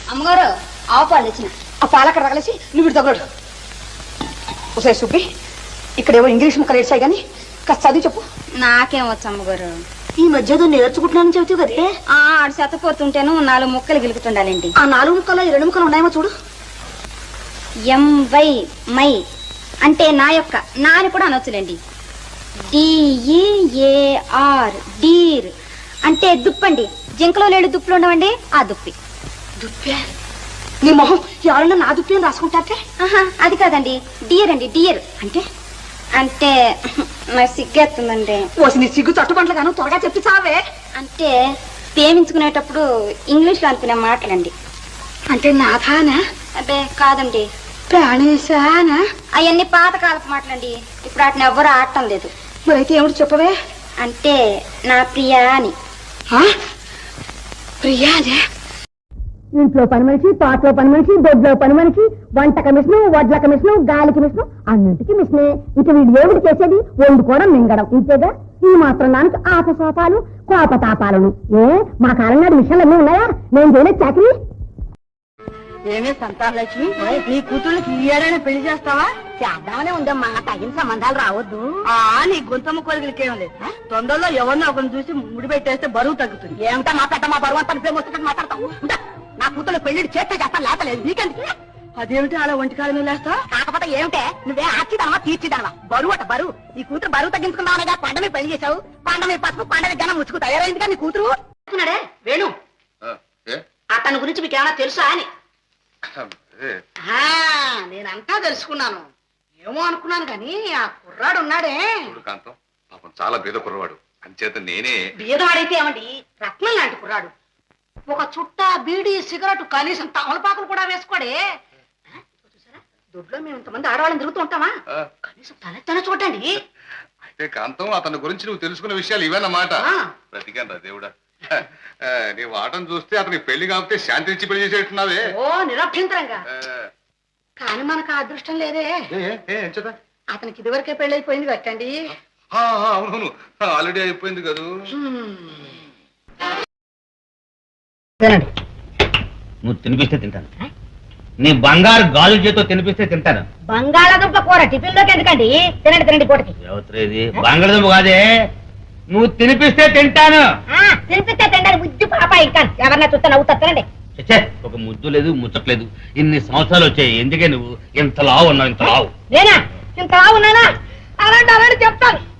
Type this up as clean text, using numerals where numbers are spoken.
అమ్మగారు ఆవు పాలు తెచ్చిన. ఆ పాలు అక్కడ తగలేసి నువ్వు ఇటు తగలడు. ఒకసారి సుబ్బి, ఇక్కడేవో ఇంగ్లీష్ ముక్కలు ఏడ్చాయి కానీ కాస్త చదివి చెప్పు. నాకేం వచ్చు అమ్మగారు. ఈ మధ్య నేర్చుకుంటున్నానని చెబుతావు కదే. ఆడు చెత్తపోతుంటేను 4 ముక్కలు గిలుకుతుండాలండి. ఆ 4 ముక్కలు 2 ముక్కలు ఉన్నాయేమో చూడు. ఎంవై మై అంటే నా యొక్క, నాని కూడా అనొచ్చులేండి. డిఈఏఆర్ డీర్ అంటే దుప్పండి. జింకలో లేడు దుప్పులు ఉండవండి, ఆ దుప్పి. దుప్పే? నీ మొహం ఎవరన్నా నా దుప్పి అని రాసుకుంటారే? అది కాదండి, డియర్ అండి. డియర్ అంటే అంటే నాకు సిగ్గేస్తుందండి. ఓసి నీ సిగ్గు తట్టుబంట్ల గాను త్వరగా చెప్పి చావే. అంటే ప్రేమించుకునేటప్పుడు ఇంగ్లీష్ లో అనుకునే మాటలండి. అంటే నాథానా? అదే కాదండి, ప్రాణేశానా? అవన్నీ పాతకాలపు మాటలండి. ఇప్పుడు వాటిని ఎవ్వరూ ఆడటం లేదు. మరైతే ఏమిటి చెప్పవే? అంటే నా ప్రియా అని. ప్రియానే? ఇంట్లో పని మనిషి, తోటలో పని మనిషి, దొడ్లో పని మనిషి, వంట కమిషను, వడ్ల కమిషను, గాలి కమిషను, అన్నింటికి మిషనే. ఇక వీడు ఏమిటి చేసేది? వండుకోవడం, మింగడం, ఇంతేగా. ఈ మాత్రం దానికి ఆపసోపాలు, కోపతాపాలను. మా కాలం నాడు మిషన్లు అన్నీ ఉన్నాయా? నేను చేయలేదు చాకరీ. ఏమే సంతానలక్ష్మి, నీ కూతుళ్ళకి ఈ ఏడైనా పెళ్లి చేస్తావా? చేద్దామనే ఉందమ్మా, తగిన సంబంధాలు రావద్దు. నీ గొంతమ్మ కోరికలకేం లేదు. తొందరలో ఎవరినో ఒకరిని చూసి ముడి పెట్టేస్తే బరువు తగ్గుతుంది. ఏమిటా మాట్లాడటా? బరువు అంతా ప్రేమ వస్తుందని మాట్లాడతావు. నా కూతురు పెళ్లి చేస్తే చేస్తా, లేపలేదు. నీకెందుకు? అదేమిటి అలా ఒంటికాలం లేస్తా? కాకపోతే ఏమిటే, నువ్వే ఆర్చిదానవా తీర్చిదానవా? బరువు అట బరువు. నీ కూతురు బరువు తగ్గించుకున్నావుగా. కొండ మీద పెళ్లి చేశావు, కొండ మీద పసుపు, కొండ మీద జనం ముచ్చుకు తయారైందిగా నీ కూతురు. వేణు, అతని గురించి మీకేమైనా తెలుసా అని? నేనంతా తెలుసుకున్నాను. ఏమో అనుకున్నాను కానీ ఆ కుర్రాడు ఉన్నాడే, కాంతం పాపం చాలా బీద కుర్రవాడు. అంచేత నేనే. బీదవాడైతే ఏమండి, రత్నం లాంటి కుర్రాడు. ఒక చుట్ట, బీడి, సిగరెట్, కనీసం తమలపాకులు కూడా వేసుకోడే. చూసారా, దొడ్లో మేము ఇంతమంది ఆడవాళ్ళని తిరుగుతూ ఉంటామా? కనీసం తనెత్తనే చూడండి. అయితే కాంతం, అతని గురించి నువ్వు తెలుసుకున్న విషయాలు ఇవేనమాట. బ్రతికాను రా దేవుడా. నీ వాటం చూస్తే అతనికి పెళ్లి కాకపోతే శాంతి ఇచ్చి పెళ్లి చేసేట్టున్నావే. ఓ నిరభ్యంతరంగా. కానీ మనకు ఆ అదృష్టం లేదే. అతనికి ఇదివరకే పెళ్లి అయిపోయింది కట్టండి. అవునవును, ఆల్రెడీ అయిపోయింది కదా. నువ్వు తినిపిస్తే తింటాను. నీ బంగారు గాజు చేతో తినిపిస్తే తింటాను. బంగాళాదుంప కూర టిఫిన్ లోకి ఎందుకండి? తినండి తినండి పూటకి. ఎవరిది బంగాళదుంప కాదే, నువ్వు తినిపిస్తే తింటాను. తినిపిస్తే తింటాను. బుద్ధి పాప ఇంకా ఎవరన్నా చూస్తే నవ్వుతా. తినండి. ఒక ముద్దు లేదు, ముచ్చట్లేదు. ఇన్ని సంవత్సరాలు వచ్చాయి, ఎందుకే నువ్వు ఇంత లావు ఉన్నావు? ఇంత లావు నేనా? ఇంత లావు ఉన్నానా? అలాంటి అలాంటి చెప్తాను.